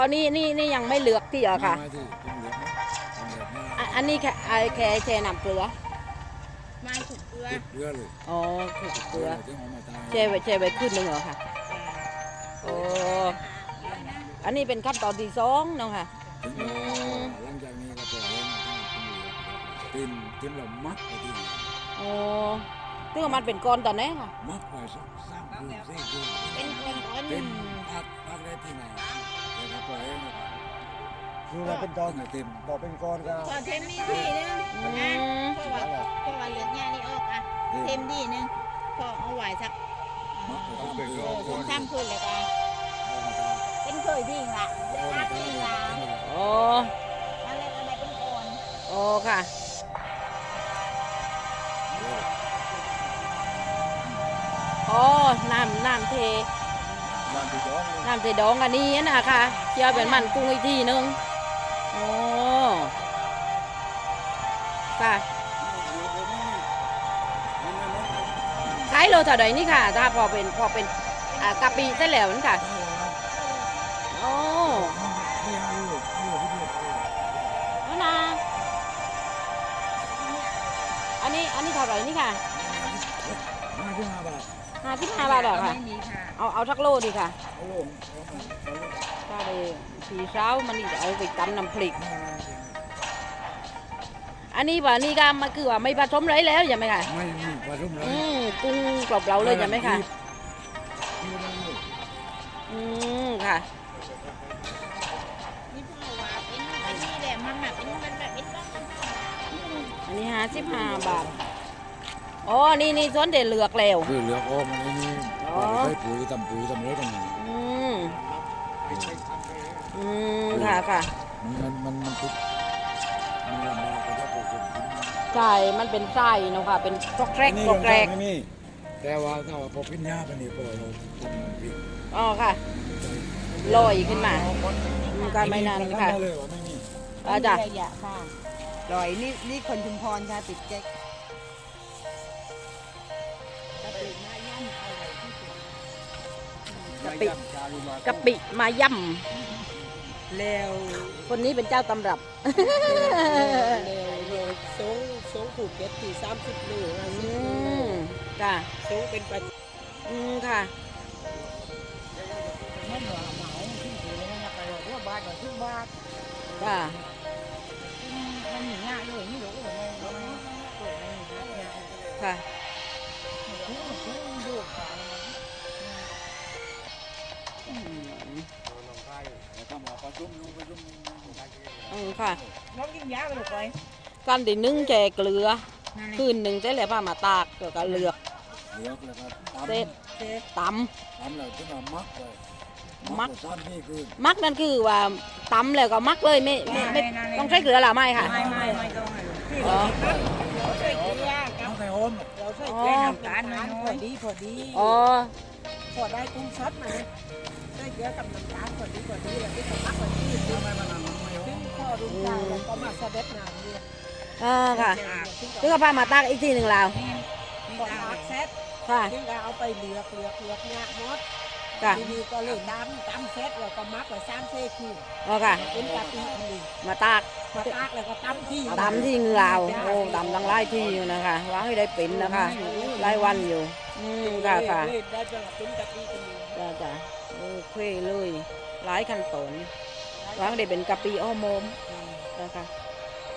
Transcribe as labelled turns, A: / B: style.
A: นี่ยังไม่เหลือกที่เหรอค่ะ
B: ไม่ที่เป็นเหลืองนะเป็นเหลืองมาก
A: อันนี้แค่แช่น้ำเกลือ
C: ไม่ถูกเกลือ
B: ติดเรือเลย
A: อ๋อคือเกลือ
B: ที่เอามาตาย
A: แช่ไว้ขึ้นหนึ่งเหรอค่ะโอ้อันนี้เป็นขั้นตอนที่สองเนาะค่ะ
B: ถึงหลังจากนี้ก็ปล่อยให้มันเป็นเหลืองติ้นเรามัดไปที่
A: โอ้ซึ่งมันเป็นก้อนตอนนี้ค่ะ
B: มัดไว้สักสามคืนสี่คืน
C: เป็นคนอ่อน
B: เป็นพักได้ที่ไหนเดี๋ยวเราปล่อยให้มัน
D: คือว่าเป็นตอน
B: เต็ม
D: บอกเป็นก้อนก็
C: พอเทมดีนึงนะเพราะว่าเหลือดหญ้านี่ออกอ่ะเทมดีนึงพอเอาไหวสัก
B: มัดไว้ตามคืน
C: สองสามคืนเลยกันเป็นเคยดีละเดี๋ยวรักดีละ
A: โอ้
C: อะไรอะไรเป็นคน
A: โอ้ค่ะอ๋อน้ำเท
D: บ้านที่ย้อน
A: น้ำเทดองอันนี้นะคะเคี่ยวเป็นมันกุ้งอีกทีนึงโอ้ค่ะขายโลเท่าไหร่นี่ค่ะถ้าพอเป็นกะปิได้แล้วนี่ค่ะโอ้แล้วนะอันนี้เท่าไหร่นี่ค่ะ
B: 55 บาท
A: 55 บาทเหรอคะ
C: ไม่มีค่ะ
A: เอาทักโลดีค่ะ
B: เอาลง
A: ถ้าได้สีเช้ามันนี่จะเอาไปตำน้ำพริก อันนี้ว่านี่ก็มันคือว่าไม่ผสมเลยแล้วใช่ไหมคะ
B: ไม่มีปลาทุ่มเลย
A: กุ้งกรอบเราเลยใช่ไหมคะค่ะ
C: นี่พ่อว่าเป็นอันนี้แหละมันแบบเป็นมันแบบเป็นต้อง
A: อันนี้55 บาทอ๋อนี่ส่วนเด็ดเหลือกแล้ว
B: คือเหลืออ้อมอันนี้
A: อ๋อ
B: ใช้ปุ๋ยทำอะไรกัน
A: อืมค่ะ
B: มันติดมันลำบากก็ถ้าปลูก
A: ใช่มันเป็นไส้เนาะค่ะเป็นกรอกแกรก
B: นี่
A: กรอกแกรก
B: ไม่มีแต่ว่าถ้าว่าพอพิญญาไปนี่พอเราทำพริก
A: อ๋อค่ะลอยขึ้นมาก็ไม่นานค่ะ
B: เลยว่าไม่มี
A: อาจารย์
C: ระยะค่ะลอยนี่คนชุมพรค่ะติดแก๊กกะปิมาย่ำเอาไว้ที่สุด
A: กะปิมาย่
C: แล้ว
A: ำคนนี้เป็นเจ้าตำรับ
C: แล้วสงผูกเก็ตที่30ลูก
A: ค่ะ
C: สงเป็นประ
A: ค่ะ
C: ไม่เหนือเหมาที่ถือนะไปบอกว่าบาทกับทุกบาท
A: ค่ะ
C: มันหนีง่ายเลยนี่หรอกมันเปิดมันง่าย
A: ค่ะ
C: ดูขาย
B: ถ้ามาประชุมนู้นประชุมนี้
A: ค่ะ
C: น้องกินยาไปลูกไป
A: การดินึ่งแจเกลือคืนหนึ่งจะเหลือผ้ามาตากแล้วก็เลือก
B: เหลือแล้วก็
A: เสร็จต
B: ทำแล้วถึงเอามักเลย
A: มัก
B: ซ้ำนี่คือ
A: ำมักนั่นคือว่าตำแล้วก็มักเลยไม่ต้องใช้เกลือหรือไม่ค่ะ
C: ไม่ต้องให้ลูกพี่
A: อ๋อ
C: เราใส่เกลือ
B: ต้องใส่โฮม
C: เราใส่เกลือน้ำตาลน้อยพอดี
A: อ๋อ
C: พอได้กุ้งซัดมาใส่เกลือกับน้ำตาลพอดีแล้วที่สมักพอดีซึ่ง
B: ทำไมมันไม่โฮ
C: ซึ่ง
B: ม
C: พอดูใจแล้วก็มาสะเด็ดน้ำด้วย
A: ค่ะซึ่งเอาผ้ามาตากอีกทีหนึ่งแล้ว
C: ก่อนซักเซ็ต
A: ค่ะ
C: ซึ่งก็เอาไปเหลือกเนี่ยมด
A: ค่ะ
C: ทีนี้ก็เลยตำเซ็ตแล้วก็มักไว้3 4 คืน
A: อ๋อค่ะ
C: เป็นกะปิอันนี้
A: มาตาก
C: มาตากแล้วก็ตำที่
A: ตำที่เหงือเอาโอ้ตำตั้งหลายที่อยู่นะคะวางให้ได้เป็นนะคะหลายวันอยู่ค่ะ
C: ได้เป็นกะปิอันนี้
A: จ้าโอเคเลยหลายขั้นตอนวางได้เป็นกะปิอ้อมมนะคะ